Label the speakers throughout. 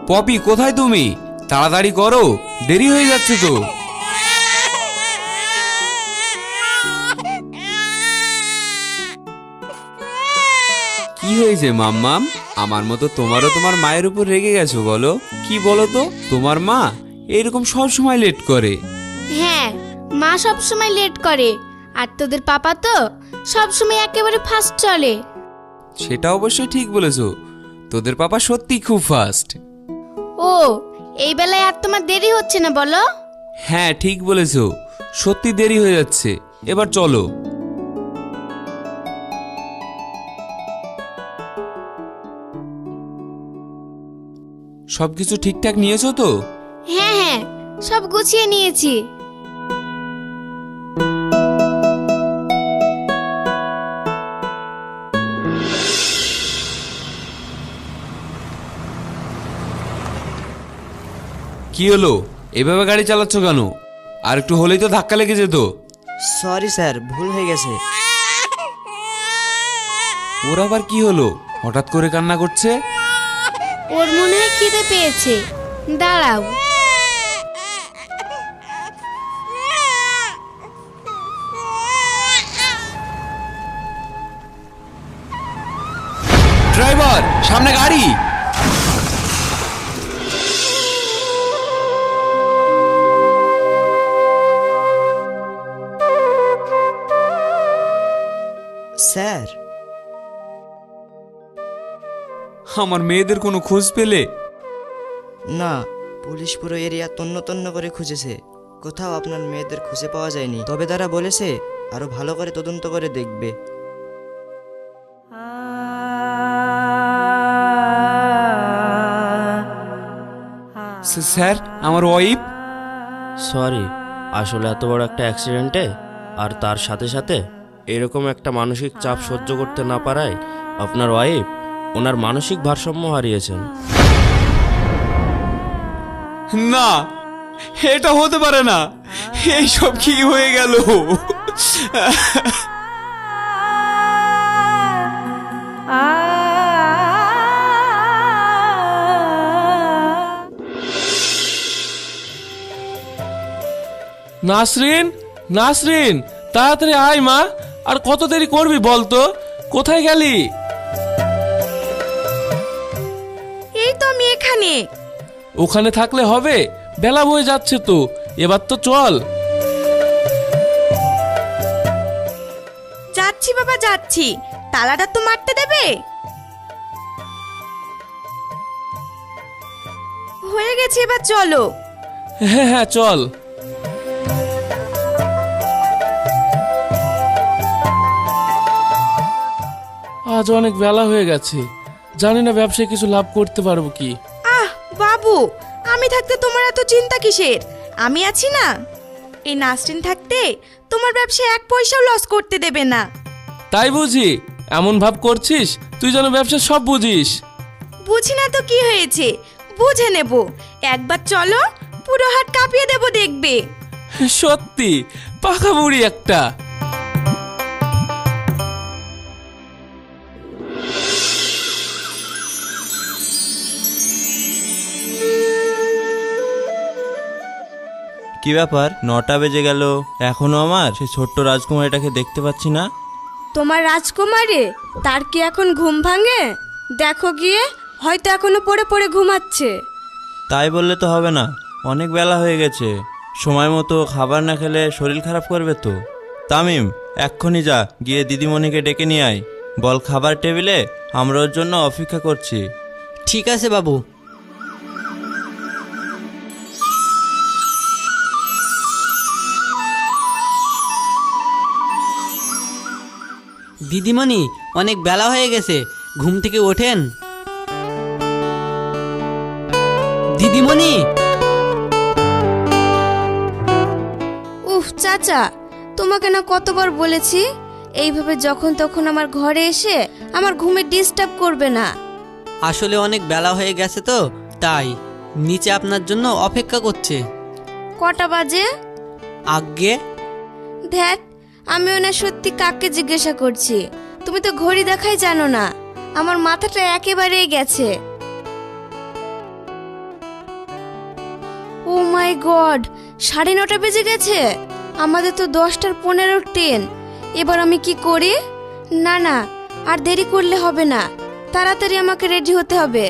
Speaker 1: Poppy কোথায় তুমি? তাড়াতাড়ি করো, দেরি হয়ে যাচ্ছে তো। কি হয়েছে মাম্মাম? আমার মতো তোমারও তোমার মায়ের উপর রেগে গেছো বলো? কি বলো তো, তোমার মা এরকম সব সময় লেট করে।
Speaker 2: হ্যাঁ, মা সব সময় লেট করে, আর তোদের পাপা তো সব সময় একেবারে ফাস্ট চলে।
Speaker 1: সেটা অবশ্যই ঠিক বলেছো, তোদের পাপা সত্যি খুব ফাস্ট।
Speaker 2: ও, এই বেলায় আর তোমার দেরি হচ্ছে না বলো?
Speaker 1: হ্যাঁ ঠিক বলেছো, সত্যি দেরি হয়ে যাচ্ছে। এবার চলো। সবকিছু ঠিকঠাক নিয়েছো তো?
Speaker 2: হ্যাঁ হ্যাঁ, সব গুছিয়ে নিয়েছি।
Speaker 1: কি হলো, এভাবে গাড়ি চালাচ্ছ কেন? আর একটু হলেই তো ধাক্কা লেগে যেত।
Speaker 3: সরি স্যার, ভুল হয়ে গেছে।
Speaker 1: ওর আবার কি হলো, হঠাৎ করে কান্না করছে?
Speaker 2: ওর মনে হয় খিদে পেয়েছে, দাঁড়াও।
Speaker 1: ড্রাইভার, সামনে গাড়ি।
Speaker 3: স্যার,
Speaker 1: আমার মেয়েদের কোনো খোঁজ পেলে?
Speaker 3: না, পুলিশ পুরো এরিয়া তন্ন তন্ন করে খুঁজেছে, কোথাও আপনার মেয়েদের খুঁজে পাওয়া যায়নি। তবে তারা বলেছে আরো ভালো করে তদন্ত করে দেখবে।
Speaker 1: স্যার, আমার ওয়াইফ।
Speaker 4: সরি, আসলে এত বড় একটা অ্যাক্সিডেন্টে আর তার সাথে সাথে এরকম একটা মানসিক চাপ সহ্য করতে না পারায় আপনার ওয়াইফ ওনার মানসিক ভারসাম্য হারিয়েছেন।
Speaker 1: না, এটা হতে পারে না। এইসব কি হয়ে গেল?
Speaker 5: নাসরিন, নাসরিন, তাড়াতাড়ি আয় মা। আর কত দেরি করবি বলতো? কোথায় গেলি?
Speaker 2: এই তো আমি এখানে।
Speaker 5: ওখানে থাকলে হবে? বেলা বয়ে যাচ্ছে তো, এবার তো চল।
Speaker 2: যাচ্ছি বাবা, যাচ্ছি। তালাটা তো মারতে দেবে। হয়ে গেছে, এবার চলো।
Speaker 5: হ্যাঁ হ্যাঁ চল। আজ অনেক বেলা হয়ে গেছে, জানি না ব্যবসায় কিছু লাভ করতে পারবো কি।
Speaker 6: আহ বাবু, আমি থাকতে তোমার এত চিন্তা কিসের? আমি আছি না। এই নাসরিন থাকতে তোমার ব্যবসায় এক পয়সাও লস করতে দেবে না।
Speaker 5: তাই বুঝি? এমন ভাব করছিস তুই যেন ব্যবসা সব বুঝিস।
Speaker 6: বুঝি না তো কি হয়েছে, বুঝে নেব। একবার চলো, পুরো হাত কাঁপিয়ে দেব, দেখবে।
Speaker 5: সত্যি পাকা বুড়ি একটা।
Speaker 7: কি ব্যাপার, 9টা বেজে গেল, এখনো আমার সেই ছোট্ট রাজকুমারীটাকে দেখতে পাচ্ছি না।
Speaker 6: তোমার রাজকুমারী, তার কি এখন ঘুম ভাঙে? দেখো গিয়ে, হয়তো এখনো পড়ে পড়ে ঘুমাচ্ছে।
Speaker 7: তাই বললে তো হবে না, অনেক বেলা হয়ে গেছে। সময় মতো খাবার না খেলে শরীর খারাপ করবে তো। তামিম, এক্ষুনি যা, গিয়ে দিদিমণিকে ডেকে নিয়ে আয়। বল খাবার টেবিলে আমরা ওর জন্য অপেক্ষা করছি।
Speaker 3: ঠিক আছে বাবু।
Speaker 8: দিদিমণি, অনেক বেলা হয়ে গেছে, ঘুম থেকে ওঠেন। দিদিমণি।
Speaker 2: উফ চাচা, তোমাকে না কতবার বলেছি এইভাবে যখন তখন আমার ঘরে এসে আমার ঘুমে ডিস্টার্ব করবে না।
Speaker 8: আসলে অনেক বেলা হয়ে গেছে তো, তাই নিচে আপনার জন্য অপেক্ষা করছে।
Speaker 2: কটা বাজে?
Speaker 8: আজ্ঞে।
Speaker 2: ধ্যাত, আমিও না সত্যি কাককে জিজ্ঞাসা করছি, তুমি তো ঘড়ি দেখাই জানো না। আমার মাথাটা একেবারেই গেছে। মাই গড, 9:30 বেজে গেছে। আমাদের তো 10:15 ট্রেন। এবার আমি কি করি? না না, আর দেরি করলে হবে না, তাড়াতাড়ি আমাকে রেডি হতে হবে।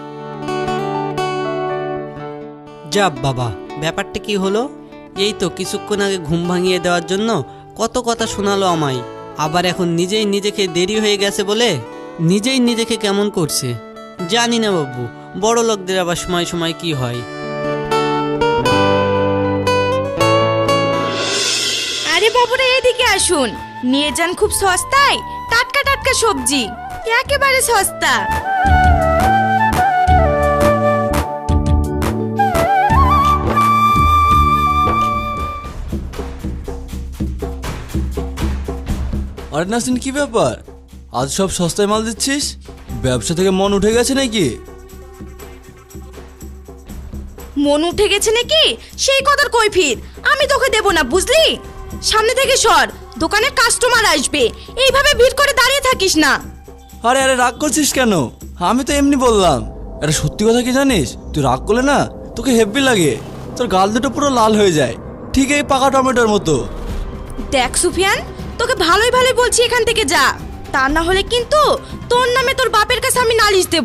Speaker 8: যা বাবা, ব্যাপারটা কি হলো? এই তো কিছুক্ষণ আগে ঘুম ভাঙিয়ে দেওয়ার জন্য কত কথা শোনালো আমায়, আবার এখন নিজেই নিজেকে দেরি হয়ে গেছে বলে নিজেই নিজেকে কেমন করছে। জানি না বাবু, বড় লোকদের আবার সময় সময় কি হয়।
Speaker 6: আরে বাবুরা, এদিকে আসুন, নিয়ে যান খুব সস্তায় টাটকা টাটকা সবজি, একেবারে সস্তা।
Speaker 9: আরে নাসরিন, কি ব্যাপার? আজ সব সস্তায় মাল দিচ্ছিস? ব্যবসা থেকে মন উঠে গেছে নাকি?
Speaker 6: মন উঠে গেছে নাকি সেই কথার কৈফিয়ত আমি তোকে দেব না, বুঝলি? সামনে থেকে সর, দোকানে কাস্টমার আসবে, এইভাবে ভিড় করে দাঁড়িয়ে থাকিস না।
Speaker 9: আরে আরে, রাগ করছিস কেন? আমি তো এমনি বললাম। এটা সত্যি কথা কি জানিস? তুই রাগ করলে না তোকে হেব্বি লাগে, তোর গাল দুটো পুরো লাল হয়ে যায়, ঠিক এই পাকা টমেটোর মতো।
Speaker 6: দেখ সুফিয়ান, তোকে ভালোই ভালোই বলছি, এখান থেকে যা, তা না হলে কিন্তু তোর নামে তোর বাপের কাছে আমি নালিশ দেব।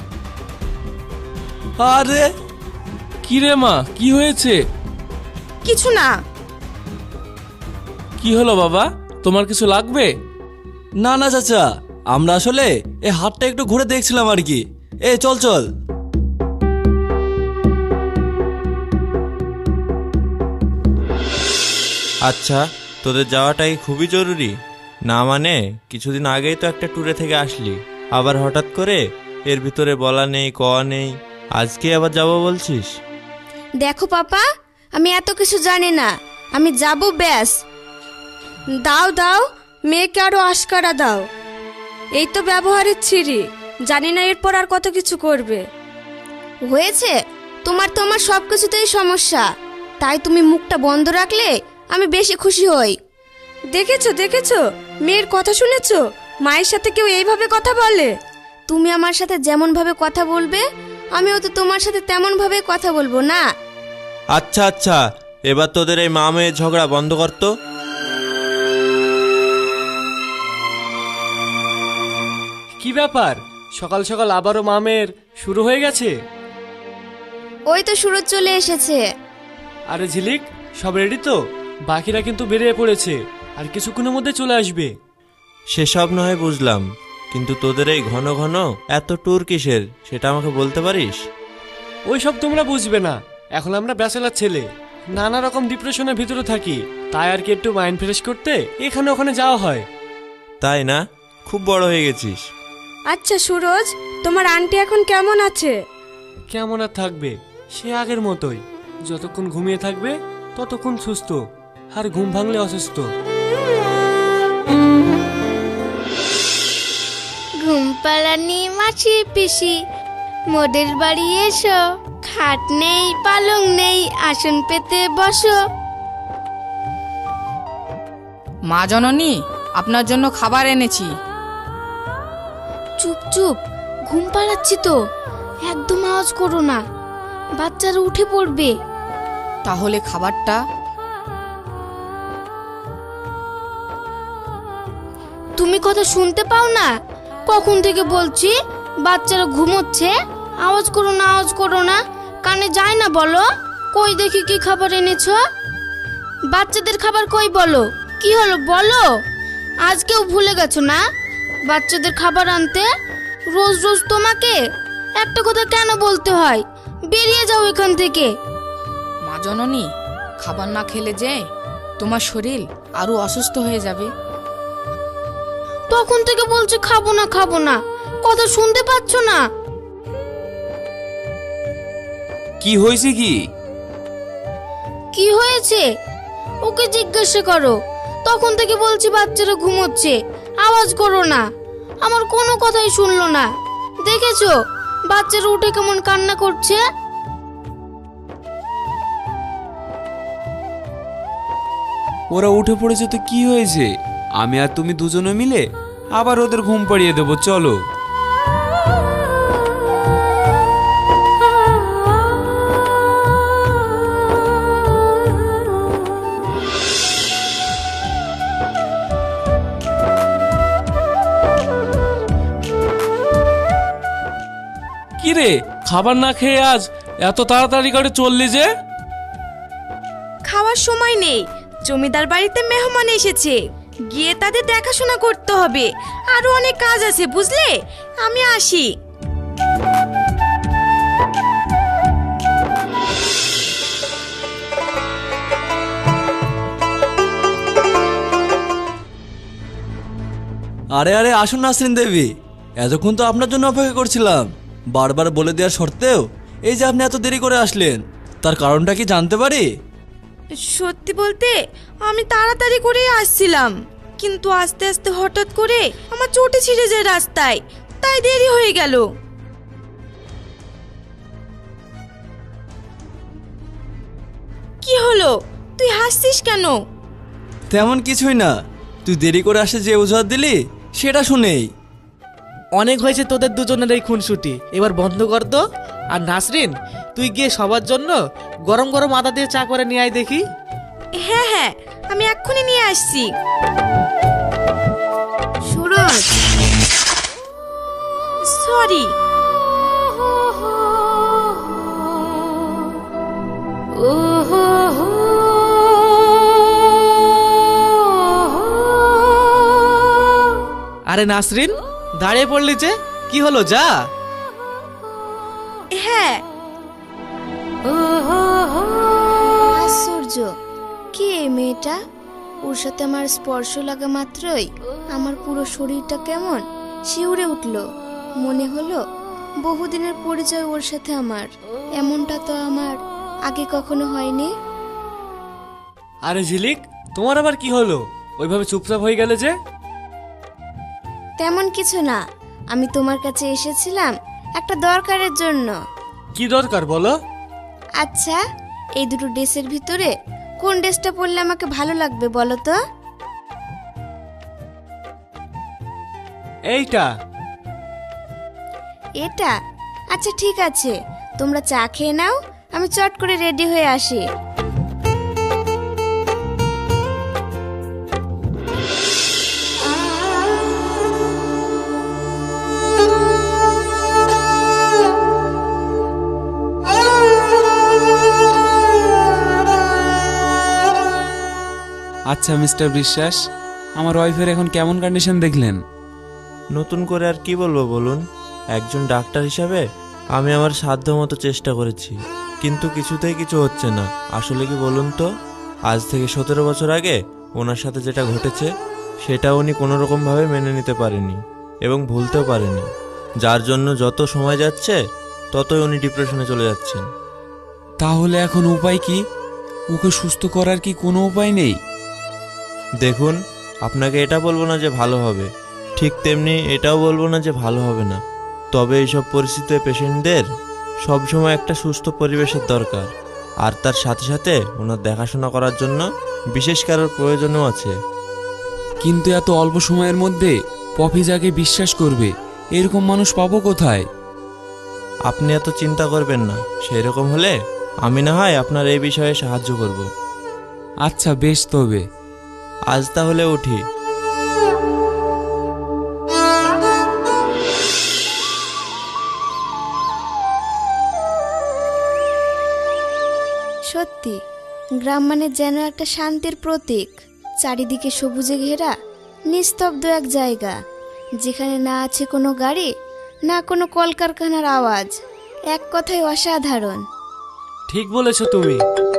Speaker 9: আরে
Speaker 5: কি রে মা, কি হয়েছে?
Speaker 6: কিছু না।
Speaker 5: কি হলো বাবা, তোমার কিছু লাগবে?
Speaker 9: না না চাচা, আমরা আসলে এই হাটটা একটু ঘুরে দেখছিলাম আর কি। চল চল।
Speaker 7: আচ্ছা, তোদের যাওয়াটাই খুবই জরুরি না? মানে কিছুদিন আগেই তো একটা ট্যুরে থেকে আসলি, আবার হঠাৎ করে এর ভিতরে বলা নেই কওয়া নেই, আজকে আবার যাবো বলছিস?
Speaker 2: দেখো পাপা, আমি এত কিছু জানি না, আমি যাব ব্যাস। দাও দাও, মেয়েকে আরো আশকারা দাও। এই তো ব্যবহারের ছিরি, জানি না এরপর আর কত কিছু করবে। হয়েছে, তোমার তো আমার সব কিছুতেই সমস্যা, তাই তুমি মুখটা বন্ধ রাখলে আমি বেশি খুশি হই। দেখেছো দেখেছো, মেয়ের কথা শুনেছো? মায়ের সাথে কেউ এইভাবে কথা বলে? তুমি আমার সাথে যেমন ভাবে কথা বলবে, আমিও তো তোমার সাথে তেমন ভাবে কথা বলবো না?
Speaker 7: আচ্ছা আচ্ছা, এবার তোদের এই মা মেয়ের ঝগড়া বন্ধ কর তো।
Speaker 10: কি ব্যাপার, সকাল সকাল আবারও মামের শুরু হয়ে গেছে?
Speaker 2: ওই তো সুরজ চলে এসেছে।
Speaker 10: আরে ঝিলিক, সব রেডি তো? বাকিরা কিন্তু বেরিয়ে পড়েছে, আর কিছুক্ষণের মধ্যে চলে আসবে।
Speaker 7: সেসব নয় বুঝলাম, কিন্তু তোদের এই ঘন ঘন এত ট্যুর কিসের সেটা আমাকে বলতে পারিস?
Speaker 10: ওই সব তোমরা বুঝবে না, এখন আমরা ব্যাচেলার ছেলে, নানা রকম ডিপ্রেশনের ভিতরে থাকি, তাই আর কি একটু মাইন্ড ফ্রেশ করতে এখানে ওখানে যাওয়া হয়।
Speaker 7: তাই না? খুব বড় হয়ে গেছিস।
Speaker 2: আচ্ছা সুরজ, তোমার আন্টি এখন কেমন আছে?
Speaker 10: কেমন আর থাকবে, সে আগের মতোই, যতক্ষণ ঘুমিয়ে থাকবে ততক্ষণ সুস্থ, আর ঘুম ভাঙলে অসুস্থ।
Speaker 2: ঘুম পাড়ানি মাসি পিসি, মোদের বাড়ি এসো, খাট নেই পালং নেই, আসন পেতে বসো।
Speaker 11: মা জননী, আপনার জন্য খাবার এনেছি।
Speaker 2: চুপ চুপ, ঘুম পাড়াচ্ছি তো, একদম আওয়াজ করো না, বাচ্চারা উঠে পড়বে।
Speaker 11: তাহলে খাবারটা?
Speaker 2: তুমি কথা শুনতে পাও না? কখন থেকে বলছি বাচ্চারা ঘুমোচ্ছে, আওয়াজ করো না আওয়াজ করো না, কানে যায় না বলো? কই দেখি কি খাবার এনেছো? বাচ্চাদের খাবার কই বলো? কি হলো বলো? আজকেও ভুলে গেছো না বাচ্চাদের খাবার আনতে? রোজ রোজ তোমাকে একটা কথা কেন বলতে হয়? বেরিয়ে যাও এখান থেকে।
Speaker 11: মা জননী, খাবার না খেলে যে তোমার শরীর আরো অসুস্থ হয়ে যাবে।
Speaker 2: তখন থেকে বলছি খাবো না খাবো না, কথা শুনতে পাচ্ছ না?
Speaker 1: কি হয়েছে?
Speaker 2: কি হয়েছে ওকে জিজ্ঞাসা করো। তখন থেকে বলছি বাচ্চারা ঘুমোচ্ছে, আওয়াজ করো না, আমার কোনো কথাই শুনলো না। দেখেছো বাচ্চারা উঠে কেমন কান্না করছে?
Speaker 1: ওরা উঠে পড়েছে তো কি হয়েছে? আমি আর তুমি দুজনে মিলে আবার ওদের ঘুম পাড়িয়ে দেবো, চলো।
Speaker 5: কি রে, খাবার না খেয়ে আজ এত তাড়াতাড়ি করে চললি যে?
Speaker 6: খাওয়ার সময় নেই, জমিদার বাড়িতে মেহমান এসেছে, গিয়ে তাদের দেখাশোনা করতে হবে, আরো অনেক কাজ আছে বুঝলে। আমি আসি।
Speaker 9: আরে আরে আসুন নাসরিন দেবী, এতক্ষণ তো আপনার জন্য অপেক্ষা করছিলাম। বারবার বলে দেওয়ার সত্ত্বেও এই যে আপনি এত দেরি করে আসলেন, তার কারণটা কি জানতে পারি?
Speaker 6: সত্যি বলতে আমি তাড়াতাড়ি করেই আসছিলাম, কিন্তু আস্তে আস্তে হঠাৎ করে আমার চোটে ছিঁড়ে যায় রাস্তায়, তাই দেরি হয়ে গেল। কি হলো, তুই হাসছিস কেন?
Speaker 9: তেমন কিছুই না, তুই দেরি করে আসে যে অজুহাত দিলি সেটা শুনেই।
Speaker 12: অনেক হয়েছে তোদের দুজনের এই খুনসুটি, এবার বন্ধ কর তো। আর নাসরিন, তুই গিয়ে সবার জন্য গরম গরম আদা দিয়ে চা করে নিয়ে আয় দেখি।
Speaker 6: হ্যাঁ হ্যাঁ, আমি এক্ষুনি নিয়ে আসছি।
Speaker 2: সুরজ,
Speaker 6: সরি।
Speaker 12: আরে নাসরিন, দাঁড়িয়ে পড়লি যে, কি হলো যা?
Speaker 6: হ্যাঁ।
Speaker 2: আশ্চর্য, কে এই মেয়েটা? ওর সাথে আমার স্পর্শ লাগা মাত্রই আমার পুরো শরীরটা কেমন শিউরে উঠল। মনে হলো বহুদিনের পরিচয় ওর সাথে আমার। এমনটা তো আমার আগে কখনো হয়নি।
Speaker 10: আরে ঝিলিক, তোমার আবার কি হলো? ওইভাবে চুপচাপ হয়ে গেলে যে?
Speaker 2: তেমন কিছু না, আমি তোমার কাছে এসেছিলাম একটা দরকারের জন্য।
Speaker 10: কি দরকার বলো?
Speaker 2: আচ্ছা, এই দুটো ড্রেসের ভিতরে কোন ড্রেসটা পরলে আমাকে ভালো লাগবে বলো তো?
Speaker 10: এইটা।
Speaker 2: এটা? আচ্ছা ঠিক আছে, তোমরা চা খেয়ে নাও, আমি চট করে রেডি হয়ে আসি।
Speaker 1: আচ্ছা মিস্টার বিশ্বাস, আমার ওয়াইফের এখন কেমন কন্ডিশন দেখলেন?
Speaker 7: নতুন করে আর কি বলবো বলুন। একজন ডাক্তার হিসাবে আমি আমার সাধ্য মতো চেষ্টা করেছি, কিন্তু কিছুতেই কিছু হচ্ছে না। আসলে কি বলুন তো, আজ থেকে 17 বছর আগে ওনার সাথে যেটা ঘটেছে সেটা উনি কোনোরকমভাবে মেনে নিতে পারেনি এবং ভুলতেও পারেনি, যার জন্য যত সময় যাচ্ছে ততই উনি ডিপ্রেশনে চলে যাচ্ছেন।
Speaker 1: তাহলে এখন উপায় কি? ওকে সুস্থ করার কি কোনো উপায় নেই?
Speaker 7: দেখুন, আপনাকে এটা বলবো না যে ভালো হবে, ঠিক তেমনি এটাও বলবো না যে ভালো হবে না। তবে এইসব পরিস্থিতিতে পেশেন্টদের সবসময় একটা সুস্থ পরিবেশের দরকার, আর তার সাথে সাথে ওনার দেখাশোনা করার জন্য বিশেষ কারোর প্রয়োজনও আছে।
Speaker 1: কিন্তু এত অল্প সময়ের মধ্যে পপি যাকে বিশ্বাস করবে এরকম মানুষ পাবো কোথায়?
Speaker 7: আপনি এত চিন্তা করবেন না, সেই রকম হলে আমি না হয় আপনার এই বিষয়ে সাহায্য করব।
Speaker 1: আচ্ছা বেশ, তবে
Speaker 7: আজ তাহলে উঠি।
Speaker 2: সত্যি, গ্রাম মানে যেন একটা শান্তির প্রতীক। চারিদিকে সবুজে ঘেরা নিস্তব্ধ এক জায়গা, যেখানে না আছে কোনো গাড়ি, না কোনো কলকারখানার আওয়াজ। এক কথায় অসাধারণ।
Speaker 10: ঠিক বলেছো তুমি।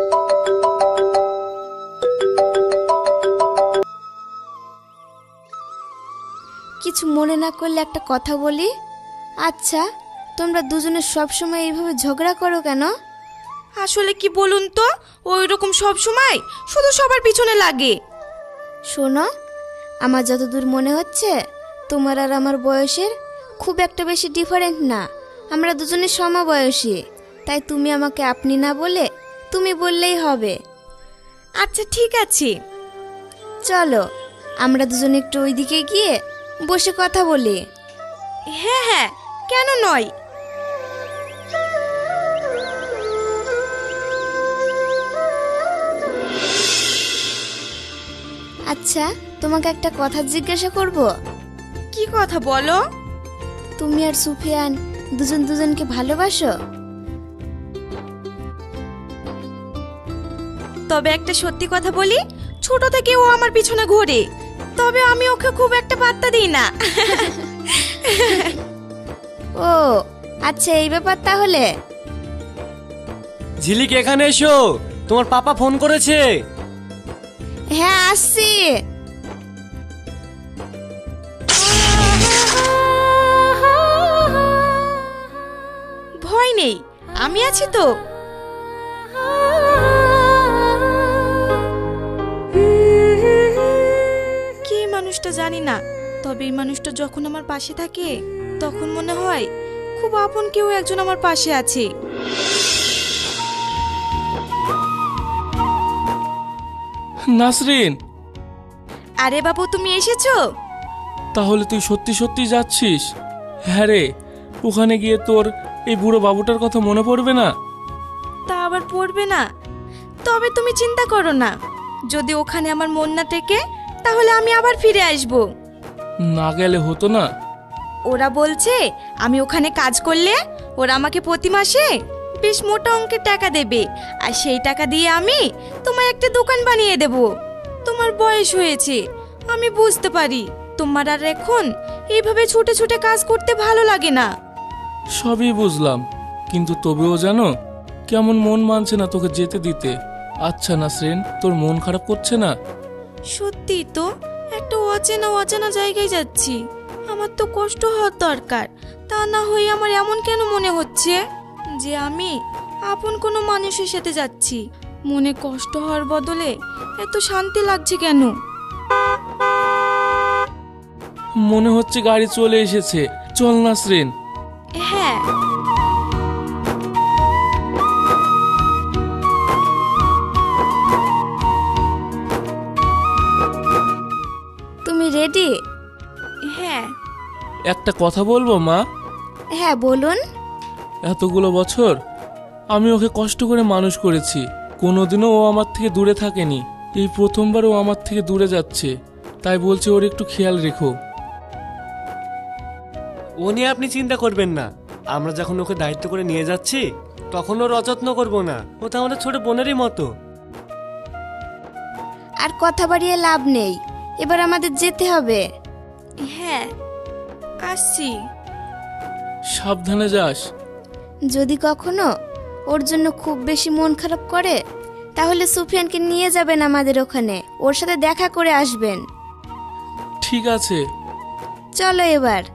Speaker 2: কিছু মনে না করলে একটা কথা বলি? আচ্ছা, তোমরা দুজনে সবসময় এইভাবে ঝগড়া করো কেন?
Speaker 6: আসলে কি বলুন তো, ওই রকম সব সময় শুধু সবার পিছনে লাগে।
Speaker 2: শোনো, আমার যতদূর মনে হচ্ছে তোমার আর আমার বয়সের খুব একটা বেশি ডিফারেন্ট না। আমরা দুজনে সমবয়সী, তাই তুমি আমাকে আপনি না বলে তুমি বললেই হবে।
Speaker 6: আচ্ছা ঠিক আছে,
Speaker 2: চলো আমরা দুজনে একটু ওইদিকে গিয়ে বসে কথা বলি।
Speaker 6: হ্যাঁ হ্যাঁ, কেন নয়।
Speaker 2: আচ্ছা, তোমাকে একটা কথা জিজ্ঞাসা করব।
Speaker 6: কি কথা বলো?
Speaker 2: তুমি আর সুফিয়ান দুজন দুজনকে ভালোবাসো?
Speaker 6: তবে একটা সত্যি কথা বলি, ছোট থেকে ও আমার পিছনে ঘোরে, তবে আমি ওকে খুব একটা পাত্তা দিই না।
Speaker 2: ও আচ্ছা, এই ব্যাপার তাহলে।
Speaker 10: ঝিলিক এখানে এসো, তোমার পাপা ফোন করেছে।
Speaker 2: হ্যাঁ আসছি।
Speaker 6: ভয় নেই, আমি আছি তো। কি মানুষটা জানি না, তবে এই মানুষটা যখন আমার পাশে থাকে তখন মনে হয় খুব আপন কেউ একজন আমার পাশে আছে।
Speaker 5: নাসরিন,
Speaker 6: আরে বাবু, তুমি এসেছো?
Speaker 5: তাহলে তুই সত্যি সত্যি যাচ্ছিস? হ্যাঁ রে, ওখানে গিয়ে তোর এই বুড়ো বাবুটার কথা মনে পড়বে না?
Speaker 6: তা আবার পড়বে না? তবে তুমি চিন্তা করো না, যদি ওখানে আমার মন না টেকে তাহলে আমি আবার ফিরে আসব।
Speaker 5: না গেলে হতো না?
Speaker 6: ওরা বলছে আমি ওখানে কাজ করলে ওরা আমাকে প্রতি মাসে বেশ মোটা অঙ্কের টাকা দেবে, আর সেই টাকা দিয়ে আমি তোমায় একটা দোকান বানিয়ে দেব। তোমার বয়স হয়েছে, আমি বুঝতে পারি তোমার আর এখন এইভাবে ছুটে ছুটে কাজ করতে ভালো লাগে না।
Speaker 5: সবই বুঝলাম, কিন্তু তবেও জানো কেমন মন মানছে না তোকে যেতে দিতে। আচ্ছা নাসরিন, তোর মন খারাপ করছে না?
Speaker 6: সত্যি তো, একটা অচেনা অচেনা জায়গায় যাচ্ছি, আমার তো কষ্ট হওয়ার দরকার, তা না হয়ে আমার এমন কেন মনে হচ্ছে যে আমি আপন কোনো মানুষের সাথে যাচ্ছি? মনে কষ্ট হওয়ার বদলে এত শান্তি লাগছে কেন?
Speaker 5: মনে হচ্ছে গাড়ি চলে এসেছে, চল নাসরিন।
Speaker 6: হ্যাঁ।
Speaker 2: তুমি রেডি?
Speaker 6: হ্যাঁ।
Speaker 5: একটা কথা বলবো মা?
Speaker 2: হ্যাঁ বলুন।
Speaker 5: এতগুলো বছর আমি ওকে কষ্ট করে মানুষ করেছি, কোনোদিনও ও আমার থেকে দূরে থাকেনি। এই প্রথমবার ও আমার থেকে দূরে যাচ্ছে, তাই বলছি ওর একটু খেয়াল রেখো।
Speaker 10: ও নিয়ে আপনি চিন্তা করবেন না, আমরা যখন ওকে দায়িত্ব করে নিয়ে যাচ্ছি তখন ওর অযত্ন করবো না, ও তো আমাদের ছোট বোনেরই মতো।
Speaker 2: আর কথা বাড়িয়ে লাভ নেই, এবার আমাদের যেতে হবে।
Speaker 6: হ্যাঁ আসছি।
Speaker 5: সাবধানে যাস।
Speaker 2: যদি কখনো ওর জন্য খুব বেশি মন খারাপ করে তাহলে সুফিয়ানকে নিয়ে যাবেন আমাদের ওখানে, ওর সাথে দেখা করে আসবেন।
Speaker 5: ঠিক আছে,
Speaker 2: চলো এবার।